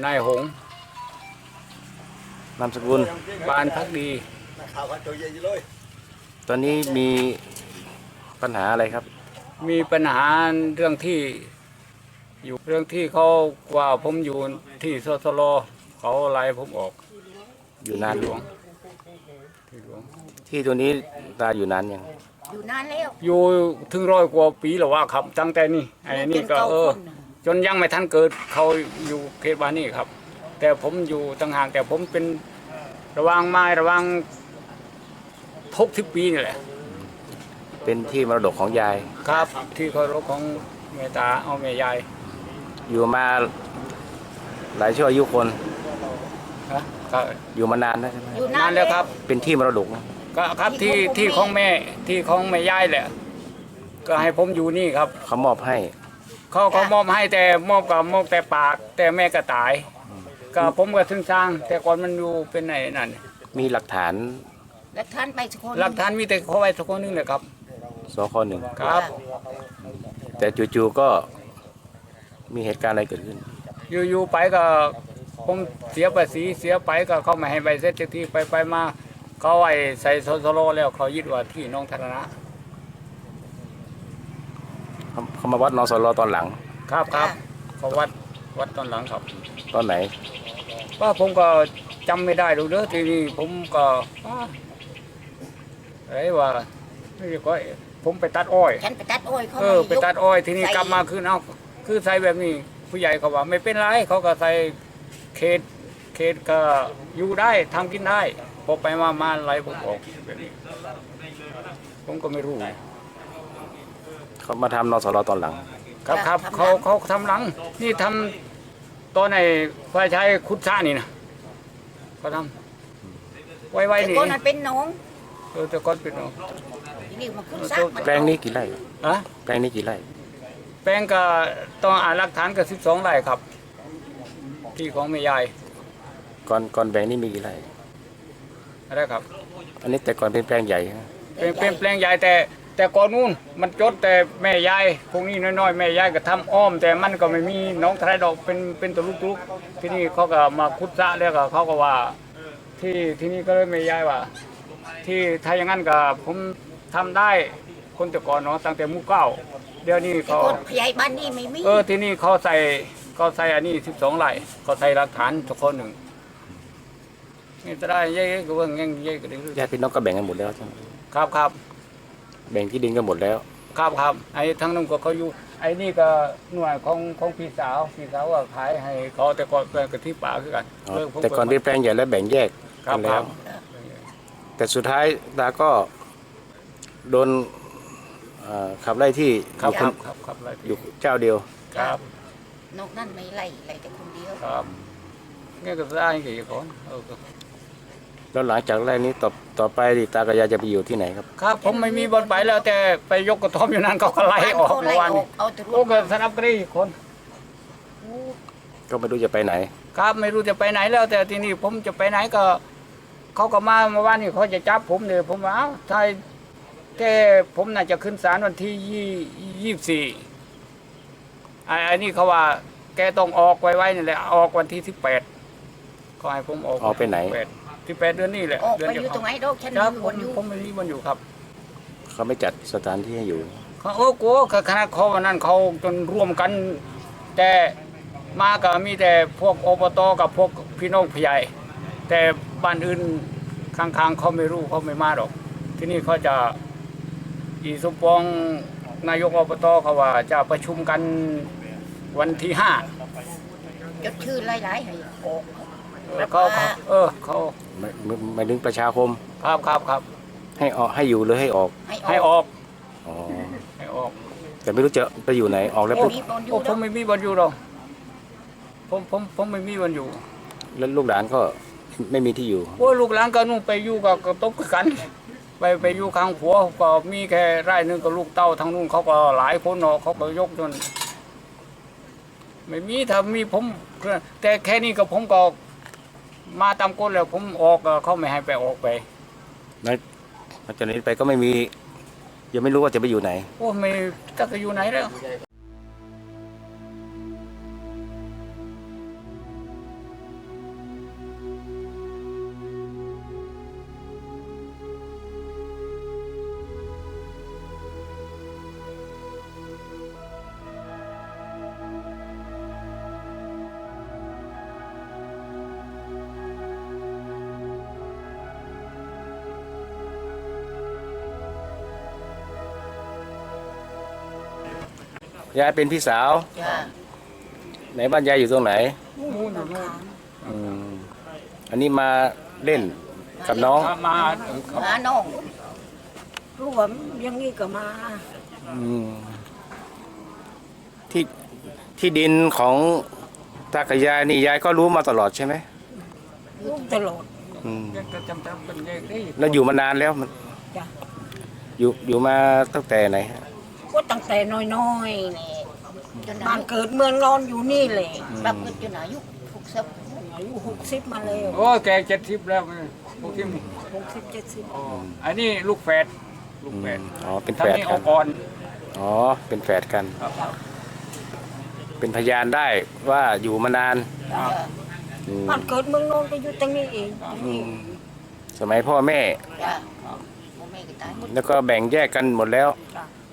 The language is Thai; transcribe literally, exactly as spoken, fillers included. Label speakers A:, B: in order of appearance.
A: นายหง
B: นามสกุล
A: ปานพักดี
B: ตอนนี้มีปัญหาอะไรครับ
A: มีปัญหาเรื่องที่อยู่เรื่องที่เขาว่าผมอยู่ที่สสลเขาไล่ผมออก
B: อยู่นาน
A: หลวงที่หลวง
B: ที่ตัวนี้ตาอยู่นานยัง
C: อยู่นานแล้ว
A: อยู่ถึงร้อยกว่าปีแล้วว่าครับตั้งแต่นี่ไอ้นี่ก็เออจนยังไม่ทันเกิดเขาอยู่เขตบ้านนี่ครับ แต่ผมอยู่ต่างหากแต่ผมเป็นระวังไม้ระวังทุกสิบปีนี่แหละ
B: เป็นที่มรดกของยาย
A: ครับที่เคารพของแม่ตาเอาแม่ยาย
B: อยู่มาหลายชั่วอายุคน
A: ครับ
B: อยู่มานานนะใช่ไหม
A: นานแล้วครับ
B: เป็นที่มรดก
A: ก็ครับที่ที่ของแม่ที่ของแม่ยายแหละก็ให้ผมอยู่นี่ครับ
B: เขามอบให้
A: เขาเขามอบให้แต่มอบกับมอบแต่ปากแต่แม่ก็ตายก็ผมก็ถึงสร้างแต่ก่อนมันอยู่เป็นไหนนั่น
B: มีหลักฐาน
C: หลักฐานไปสักคน
A: หลักฐานมีแต่เขาไว้สักคนนึงเลยครับ
B: สคหนึ่ง
A: ครับ
B: แต่จู่ๆก็มีเหตุการณ์อะไรเกิดขึ้น
A: อยู่ๆไปก็ผมเสียภาษีเสียไปก็เขาไม่ให้ใบเสร็จที่ไปไปมาเขาไอ้ใส่โซโลแล้วเขายึดว่าที่น้องธารณะ
B: เขามาวัดนสลตอนหลัง
A: ครับครับเขาวัดวัดตอนหลังครับ
B: ตอนไหน
A: ว่าผมก็จำไม่ได้ดูเด้อทีนี้ผมก็ไอ้ว่าไม่ใช่ก็ผมไปตัดอ้อย
C: ฉันไปตัดอ้อยเขา
A: เออไปตัดอ้อยทีนี้กลับมาคือเอาคือใส่แบบนี้ผู้ใหญ่เขาว่าไม่เป็นไรเขาก็ใส่เขตเขตก็อยู่ได้ทำกินได้พอไปมามาไล่ผมออกแบบนี้ผมก็ไม่รู้
B: เขามาทำนสลตอนหลัง
A: ครับครับเขาเขาทำหลังนี่ทำตอนไหนฝ่ายชายคุดซ่านี่นะเขาทำไว้ๆนี่
C: แต่ก่อนมันเป็นน้อง
A: เออแต่ก่อนเป็นน้อง
C: นี่มาคุดซ่า
B: แปลงนี้กี่ไร่
A: อะ
B: แปลงนี้กี่ไร่
A: แปลงก็ต้องอ่านหลักฐานก็สิบสองไร่ครับที่ของแม่ยาย
B: ก่อนก่อนแปลงนี้มีกี่ไร่
A: อะไรครับ
B: อันนี้แต่ก่อนเป็นแปลงใหญ่
A: เป็นเป็นแปลงใหญ่แต่แต่ก่อนนู้นมันจดแต่แม่ยายพวกนี้น้อยๆแม่ยายก็ทำอ้อมแต่มันก็ไม่มีน้องทรายดอกเป็นเป็นตัวลูกๆที่นี่เขาก็มาคุดซะแล้วก็เขาก็ว่าที่ที่นี่ก็เลยแม่ยายว่าที่ถ้าอย่างนั้นก็ผมทำได้คนแต่ก่อนเนาะตั้งแต่มุกเก้าเดี๋ยวนี้เขา
C: ขยายบ้านนี่ไม่มี
A: เออที่นี่เขาใส่เขาใส่อันนี้สิบสองไร่เขาใส่หลักฐานทุกคนหนึ่งนี่จะได้เย่ก็เบิ่งยังเย่ก็ได้
B: ญาติพี่น้องก็แบ่งกันหมดแล้วใช่ไหม
A: ครับครับ
B: แบ่งที่ดินกันหมดแล้ว
A: ครับครับไอ้ทั้งนั้นก็เขาอยู่ไอ้นี่ก็หน่วยของของพี่สาวพี่สาวก็ขายให้เขาแต่ก่อนแปลงกะทิป่าคือกัน
B: แต่ก่อนที่แปลงใหญ่แล้วแบ่งแยกกันแล้วแต่สุดท้ายตาก็โดนขับไล่ที่
A: ครับครับครับไล่
B: อยู่เจ้าเดียว
A: ครับ
C: นอกนั้นไม่ไล่ไล่แต่คนเดียว
A: ครับนี่ก็ได้กี่คนเออ
B: แล้วหลังจากแรกนี้ต่อต่อไปตากับยายจะไปอยู่ที่ไหนครับ
A: ครับผมไม่มีบอลไปแล้วแต่ไปยกกระท่อมอยู่นั้นเขาก็ไล่ออกเมื่อวานโอ้ก็สนับกรีคน
B: ก็ไม่รู้จะไปไหน
A: ครับไม่รู้จะไปไหนแล้วแต่ทีนี้ผมจะไปไหนก็เขาก็มาเมื่อวานนี้เขาจะจับผมเลยผมว่าเอ้าไทยแกผมน่าจะขึ้นศาลวันที่ยี่ยี่สิบสี่ไอ้นี่เขาว่าแกต้องออกไว้ๆนี่แหละออกวันที่สิบแปดเขาให้ผมออก
B: ออกไปไหน
A: ที่แปดเดือนนี้แหละ
C: ออกไปอยู่ตรงไหนดอกฉัน
A: ครับผมผมไม่มีมันอยู่ครับ
B: เขาไม่จัดสถานที่ให้อยู่
A: เขาโอ้โหคณะเขาวันนั้นเขาจนร่วมกันแต่มาก็มีแต่พวกอบตกับพวกพี่น้องพี่ใหญ่แต่บ้านอื่นข้างๆเขาไม่รู้เขาไม่มาหรอกที่นี่เขาจะอีสมปองนายกอบตเขาว่าจะประชุมกันวันที่ห้า
C: จดชื่อหลายๆให้ออก
A: เขาเออเขา
B: ไม่ไม่ดึงประชาคม
A: ครับครับครับ
B: ให้ออกให้อยู่หรือให้ออก
A: ให้ออก
B: อ๋อ
A: ให้ออก
B: แต่ไม่รู้จะไปอยู่ไหนออกแล้วปุ๊บ
A: ผมไม่มีบอลอยู่หรอกผมผมผมไม่มีบอลอยู่
B: แล้วลูกหลานก็ไม่มีที่อยู่
A: โอ้ลูกหลานก็นู่นไปอยู่กับกระต๊อบกันไปไปอยู่ข้างผัวก็มีแค่ไร่นึงกับลูกเต้าทางนู้นเขาก็หลายคนเนาะเขาก็ยกจนไม่มีถ้ามีผมแต่แค่นี้กับผมก็มาตามกฎแล้วผมออกเขาไม่ให้ไปออกไป
B: นั่นจากนี้ไปก็ไม่มียังไม่รู้ว่าจะไปอยู่ไหน
A: โอ้ไม่จะไปอยู่ไหนแล้ว
B: ยายเป็นพี่สาว
C: จ้า
B: ไหนบ้านยายอยู่ตรงไหน
A: นู่นนู่นนู่น
B: อืมอันนี้มาเล่นกับน้อง
A: มามาเขา
C: หาน้อง
D: รวมอยังงี้ก็มา
B: อืมที่ที่ดินของตากับยายนี่ยายก็รู้มาตลอดใช่ไหม
D: ลูกตลอด
B: อืม
A: ยังจะจำจำเป็นเลขได้
B: แล้วอยู่มานานแล้วมัน
D: จ้ะ
B: อยู่อยู่มาตั้งแต่ไหนฮะ
D: ก็ตั้งแต่น้อยๆนี่
C: จน
D: บ้า
C: อาน ยุ
D: เกิดเมืองนอนอยู่นี่เลย
C: ปรับเกิดจนอายุหกสิบ
D: อายุหกสิบมาแล้ว
A: โอ้แกเจ็ดสิบแล้วไงพวกที่นี่
D: หกสิบเจ็ดสิบ
A: อ๋ออันนี้ลูกแฝดลูก
B: อื
A: แฝด
B: มอ๋อเป็น
A: ทั้
B: แฝ
A: ง
B: ด
A: นี้
B: กั
A: อน อกก่อน
B: อ๋อเป็นแฝดกัน
A: ครับ
B: เป็นพยานได้ว่าอยู่มานาน
C: จ้า
B: อืม
D: บ้านเกิดเมืองนอนก็อยู่ตรงนี้เองตรงนี้
B: สมัยพ่อแม่
C: จ้าพ่อแม่ก็ตายหมด
B: แล้วก็แบ่งแยกกันหมดแล้ว
D: จ้ะ